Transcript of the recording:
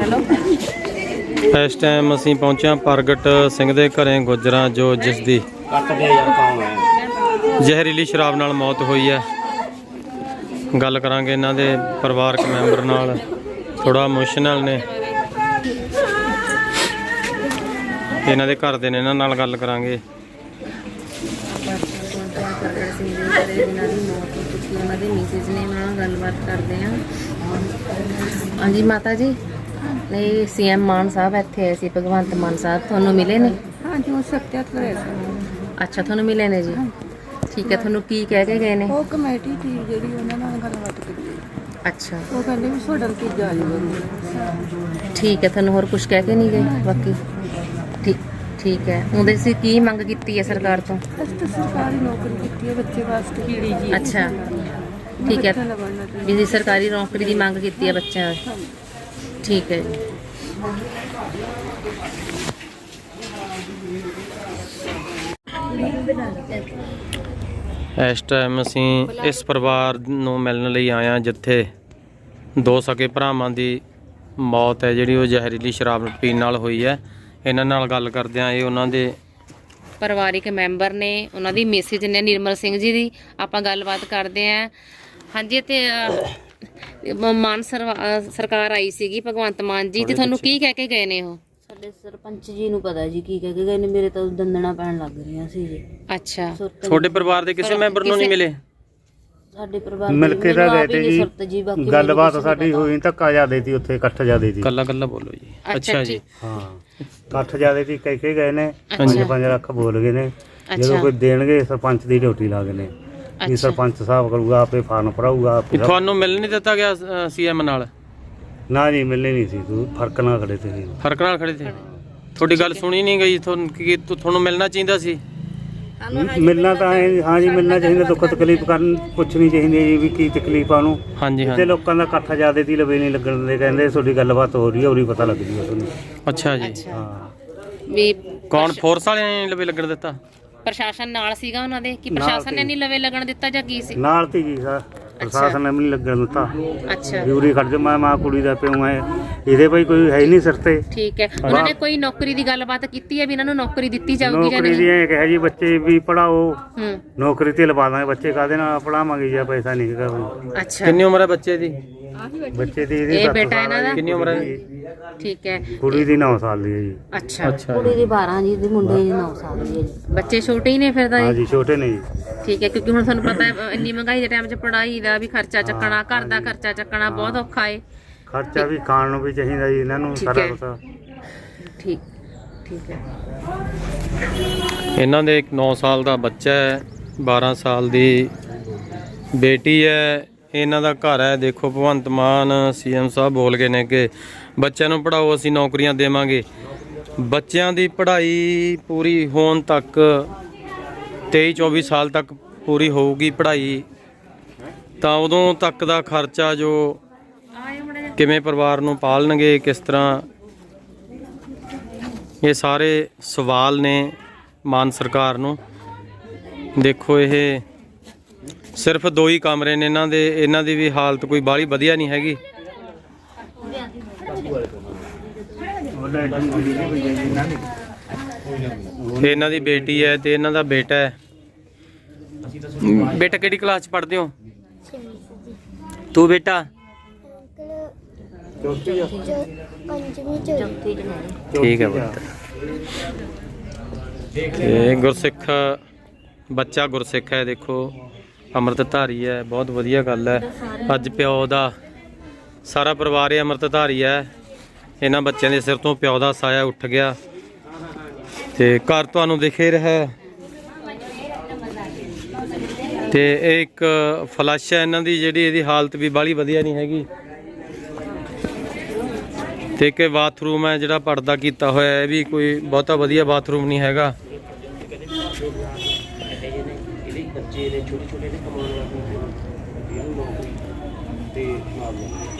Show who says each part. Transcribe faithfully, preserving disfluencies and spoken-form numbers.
Speaker 1: Hello
Speaker 2: इस time असीं पहुंचे प्रगट सिंह दे घरें गुजरां जो जिस दी ਜ਼ਹਿਰੀਲੀ ਸ਼ਰਾਬ ਨਾਲ मौत हुई है। गल करांगे इन्हां दे परिवारक मैंबर नाल, थोड़ा इमोशनल ने इन्हां दे घर दे ने, इन्हां नाल गल करांगे।
Speaker 1: हाँ जी माता जी, नहीं सी एम मान साहब इत्थे आए सी, भगवंत मान साहब थानू मिले ने?
Speaker 3: हाँ जी, वो सत्यात करे सी।
Speaker 1: अच्छा थानू मिले ने जी, ठीक है। थानू की कह के गए ने?
Speaker 3: वो कमेटी थी जेडी उन्हां नाल गलबात कीती।
Speaker 1: अच्छा
Speaker 3: वो कहंदे भी सोडा की जाली बनी।
Speaker 1: ठीक है, थानू होर कुछ कह के नहीं गए? बाकी ठीक ठीक है। उहदे सी की मंग कीती है सरकार तो?
Speaker 3: अस तो सरकारी नौकरी कीती है बच्चे वास्ते।
Speaker 1: अच्छा ठीक है, भी सरकारी नौकरी की मंग कीती है बच्चों। ठीक है जी।
Speaker 2: इस टाइम असीं इस परिवार नूं मिलण लई आए हां जिथे दो सके भरावां दी मौत है जिहड़ी वो ਜ਼ਹਿਰੀਲੀ शराब पीण नाल होई है। इन्हां नाल गल करदे आं, ये उन्हां दे
Speaker 1: ਪਰਿਵਾਰਿਕ ਮੈਂਬਰ ਨੇ, ਉਹਨਾਂ ਦੀ ਮੈਸੇਜ ਨੇ ਨਿਰਮਲ ਸਿੰਘ ਜੀ ਦੀ। ਆਪਾਂ ਗੱਲਬਾਤ ਕਰਦੇ ਆਂ। ਹਾਂਜੀ ਤੇ ਮਾਨ ਸਰਕਾਰ ਆਈ ਸੀਗੀ ਭਗਵੰਤ ਮਾਨ ਜੀ, ਤੇ ਤੁਹਾਨੂੰ ਕੀ ਕਹਿ ਕੇ ਗਏ ਨੇ ਉਹ?
Speaker 4: ਸਾਡੇ ਸਰਪੰਚ ਜੀ ਨੂੰ ਪਤਾ ਜੀ ਕੀ ਕਹਿ ਕੇ ਗਏ ਨੇ, ਮੇਰੇ ਤਾਂ ਦੰਦਣਾ ਪੈਣ ਲੱਗ ਰਹੀਆਂ ਸੀ ਜੀ।
Speaker 1: ਅੱਛਾ,
Speaker 2: ਤੁਹਾਡੇ ਪਰਿਵਾਰ ਦੇ ਕਿਸੇ ਮੈਂਬਰ ਨੂੰ ਨਹੀਂ ਮਿਲੇ?
Speaker 4: ਸਾਡੇ ਪਰਿਵਾਰ
Speaker 5: ਮਿਲ ਕੇ ਤਾਂ ਗਏ ਤੇ ਜੀ, ਗੱਲਬਾਤ ਸਾਡੀ ਹੋਈ, ਧੱਕਾ ਜ਼ਿਆਦੇ ਸੀ ਉੱਥੇ, ਇਕੱਠ ਜ਼ਿਆਦੇ ਸੀ।
Speaker 2: ਕੱਲਾ ਕੱਲਾ ਬੋਲੋ ਜੀ। ਅੱਛਾ ਜੀ,
Speaker 5: ਹਾਂ ਇਕੱਠ ਜ਼ਿਆਦੇ ਸੀ, ਕਹਿ ਕੇ ਗਏ ਨੇ, ਪੰਜ ਪੰਜ ਲੱਖ ਬੋਲ ਗਏ ਨੇ। ਜਦੋਂ ਕੋਈ ਦੇਣਗੇ ਸਰਪੰਚ ਦੀ ਡਿਊਟੀ ਲਾ ਗਏ ਨੇ, ਵੀ ਸਰਪੰਚ ਸਾਹਿਬ ਕਰੂਗਾ, ਆਪੇ ਫਾਰਮ ਭਰਾਊਗਾ।
Speaker 2: ਤੁਹਾਨੂੰ ਮਿਲ ਨਹੀਂ ਦਿੱਤਾ ਗਿਆ ਸੀਐਮ ਨਾਲ?
Speaker 5: ਨਾ ਜੀ, ਮਿਲਣੀ ਨਹੀਂ ਸੀ, ਤੂੰ ਫਰਕ ਨਾਲ ਖੜੇ ਤੇ।
Speaker 2: ਫਰਕ ਨਾਲ ਖੜੇ ਤੇ ਤੁਹਾਡੀ ਗੱਲ ਸੁਣੀ ਨਹੀਂ ਗਈ? ਤੁਹਾਨੂੰ ਕੀ ਤੁਹਾਨੂੰ ਮਿਲਣਾ ਚਾਹੀਦਾ ਸੀ?
Speaker 5: ਮਿਲਣਾ ਤਾਂ ਹਾਂ ਜੀ, ਮਿਲਣਾ ਚਾਹੀਦਾ। ਦੁੱਖ ਤਕਲੀਫ ਕਰਨ ਪੁੱਛਣੀ ਚਾਹੀਦੀ ਹੈ ਜੀ ਵੀ ਕੀ ਤਕਲੀਫ ਆ ਉਹਨੂੰ।
Speaker 2: ਹਾਂਜੀ ਹਾਂ,
Speaker 5: ਤੇ ਲੋਕਾਂ ਦਾ ਇਕੱਠ ਜ਼ਿਆਦੇ ਦੀ ਲਵੇ ਨਹੀਂ ਲੱਗਣ ਦਿੰਦੇ, ਕਹਿੰਦੇ ਤੁਹਾਡੀ ਗੱਲਬਾਤ ਹੋ ਰਹੀ ਹੈ, ਉਰੀ ਪਤਾ ਲੱਗ ਜੂਗਾ ਤੁਹਾਨੂੰ।
Speaker 2: ਅੱਛਾ ਜੀ,
Speaker 5: ਹਾਂ।
Speaker 1: ਵੀ
Speaker 2: ਕੌਣ ਫੋਰਸ ਵਾਲਿਆਂ ਨੇ ਲਵੇ ਲੱਗਣ ਦਿੱਤਾ?
Speaker 1: ਪ੍ਰਸ਼ਾਸਨ ਨਾਲ ਸੀਗਾ ਉਹਨਾਂ ਦੇ, ਕਿ ਪ੍ਰਸ਼ਾਸਨ ਨੇ ਨਹੀਂ ਲਵੇ ਲੱਗਣ ਦਿੱਤਾ ਜਾਂ ਕੀ ਸੀ?
Speaker 5: ਨਾਲ ਤੀ ਜੀ ਸਰ, ਪ੍ਰਸ਼ਾਸਨ ਨੇ ਵੀ ਨਹੀਂ ਲੱਗਣ ਦਿੱਤਾ।
Speaker 1: ਅੱਛਾ,
Speaker 5: ਜ਼ਰੂਰੀ ਖੜ ਜਾ, ਮੈਂ ਮਾਂ ਕੁੜੀ ਦਾ ਪਿਓ ਹੈ, ਇਹਦੇ ਭਾਈ ਕੋਈ ਹੈ ਹੀ ਨਹੀਂ ਸਿਰ ਤੇ।
Speaker 1: ਠੀਕ ਹੈ। ਉਹਨਾਂ ਨੇ ਕੋਈ ਨੌਕਰੀ ਦੀ ਗੱਲਬਾਤ ਕੀਤੀ ਹੈ ਵੀ ਇਹਨਾਂ ਨੂੰ ਨੌਕਰੀ ਦਿੱਤੀ ਜਾਊਗੀ ਜਾਂ
Speaker 5: ਨੌਕਰੀ ਦੀ ਇਹ ਕਿਹਾ ਜੀ ਬੱਚੇ ਵੀ ਪੜਾਓ,
Speaker 1: ਹੂੰ,
Speaker 5: ਨੌਕਰੀ ਤੇ ਲਵਾ ਦਾਂਗੇ। ਬੱਚੇ ਕਾਹਦੇ ਨਾਲ ਪੜਾਵਾਂਗੇ ਜੀ, ਪੈਸਾ ਨਹੀਂ ਹੈਗਾ।
Speaker 1: ਅੱਛਾ,
Speaker 2: ਕਿੰਨੀ ਉਮਰ ਹੈ ਬੱਚੇ ਦੀ?
Speaker 5: ਬੱਚੇ ਦੀ ਇਹਦੀ
Speaker 1: ਇਹ ਬੇਟਾ ਇਹਨਾਂ ਦਾ
Speaker 2: ਕਿੰਨੀ ਉਮਰ ਹੈ?
Speaker 1: ਠੀਕ ਹੈ।
Speaker 5: ਕੁੜੀ ਦੀ ਨੌ ਸਾਲ ਦੀ ਹੈ ਜੀ।
Speaker 1: ਅੱਛਾ
Speaker 2: ਅੱਛਾ,
Speaker 4: ਕੁੜੀ ਦੀ ਬਾਰਾਂ ਜੀ, ਦੀ ਮੁੰਡੇ ਦੀ ਨੌ ਸਾਲ ਦੀ ਹੈ ਜੀ।
Speaker 1: ਬੱਚੇ ਛੋਟੇ ਹੀ ਨੇ ਫਿਰ ਤਾਂ?
Speaker 5: ਹਾਂ ਜੀ, ਛੋਟੇ ਨੇ ਜੀ।
Speaker 1: ਠੀਕ ਹੈ, ਕਿਉਂਕਿ ਹੁਣ ਤੁਹਾਨੂੰ ਪਤਾ ਹੈ ਇੰਨੀ ਮਹਿੰਗਾਈ ਦੇ ਟਾਈਮ 'ਚ ਪੜ੍ਹਾਈ ਦਾ ਵੀ ਖਰਚਾ ਚੱਕਣਾ, ਘਰ ਦਾ ਖਰਚਾ ਚੱਕਣਾ ਬਹੁਤ ਔਖਾ ਹੈ।
Speaker 5: ਖਰਚਾ ਵੀ ਖਾਣ ਨੂੰ ਵੀ ਚਾਹੀਦਾ ਜੀ ਇਹਨਾਂ ਨੂੰ, ਸਾਰਾ ਕੁਛ।
Speaker 1: ਠੀਕ ਠੀਕ ਹੈ।
Speaker 2: ਇਹਨਾਂ ਦੇ ਇੱਕ ਨੌ ਸਾਲ ਦਾ ਬੱਚਾ ਹੈ, ਬਾਰਾਂ ਸਾਲ ਦੀ ਬੇਟੀ ਹੈ। ਇਹਨਾਂ ਦਾ ਘਰ ਹੈ। ਦੇਖੋ ਭਗਵੰਤ ਮਾਨ ਸੀਐਮ ਸਾਹਿਬ ਬੋਲ ਗਏ ਨੇ ਕਿ ਬੱਚਿਆਂ ਨੂੰ ਪੜ੍ਹਾਓ, ਅਸੀਂ ਨੌਕਰੀਆਂ ਦੇਵਾਂਗੇ। ਬੱਚਿਆਂ ਦੀ ਪੜ੍ਹਾਈ ਪੂਰੀ ਹੋਣ ਤੱਕ, ਤੇਈ ਚੌਵੀ ਸਾਲ ਤੱਕ ਪੂਰੀ ਹੋਊਗੀ ਪੜ੍ਹਾਈ, ਤਾਂ ਉਦੋਂ ਤੱਕ ਦਾ ਖਰਚਾ ਜੋ ਕਿਵੇਂ ਪਰਿਵਾਰ ਨੂੰ ਪਾਲਣਗੇ, ਕਿਸ ਤਰ੍ਹਾਂ, ਇਹ ਸਾਰੇ ਸਵਾਲ ਨੇ ਮਾਨ ਸਰਕਾਰ ਨੂੰ। ਦੇਖੋ ਇਹ ਸਿਰਫ ਦੋ ਹੀ ਕਮਰੇ ਨੇ ਇਹਨਾਂ ਦੇ, ਇਹਨਾਂ ਦੀ ਵੀ ਹਾਲਤ ਕੋਈ ਬਾਹਲੀ ਵਧੀਆ ਨਹੀਂ ਹੈਗੀ। ਇਹਨਾਂ ਦੀ ਬੇਟੀ ਹੈ ਤੇ ਇਹਨਾਂ ਦਾ ਬੇਟਾ ਹੈ। ਬੇਟਾ ਕਿਹੜੀ ਕਲਾਸ 'ਚ ਪੜ੍ਹਦੇ ਹੋ ਤੂੰ ਬੇਟਾ? ਠੀਕ ਹੈ ਪੁੱਤ। ਇਹ ਗੁਰਸਿੱਖ ਬੱਚਾ ਗੁਰਸਿੱਖ ਹੈ। ਦੇਖੋ ਅੰਮ੍ਰਿਤਧਾਰੀ ਹੈ, ਬਹੁਤ ਵਧੀਆ ਗੱਲ ਹੈ। ਅੱਜ ਪਿਓ ਦਾ ਸਾਰਾ ਪਰਿਵਾਰ ਹੀ ਅੰਮ੍ਰਿਤਧਾਰੀ ਹੈ। ਇਹਨਾਂ ਬੱਚਿਆਂ ਦੇ ਸਿਰ ਤੋਂ ਪਿਓ ਦਾ ਸਾਇਆ ਉੱਠ ਗਿਆ ਤੇ ਘਰ ਤੁਹਾਨੂੰ ਦਿਖੇ ਰਿਹਾ। ਤੇ ਇਹ ਇੱਕ ਫਲਸ਼ ਹੈ ਇਹਨਾਂ ਦੀ, ਜਿਹੜੀ ਇਹਦੀ ਹਾਲਤ ਵੀ ਬਾਹਲੀ ਵਧੀਆ ਨਹੀਂ ਹੈਗੀ। ਤੇ ਇੱਕ ਬਾਥਰੂਮ ਹੈ ਜਿਹੜਾ ਪਰਦਾ ਕੀਤਾ ਹੋਇਆ, ਇਹ ਵੀ ਕੋਈ ਬਹੁਤਾ ਵਧੀਆ ਬਾਥਰੂਮ ਨਹੀਂ ਹੈਗਾ। ਬੱਚੇ ਨੇ ਛੋਟੇ ਛੋਟੇ ਨੇ ਕਮਾਉਣ ਵਾਲੇ ਤੇ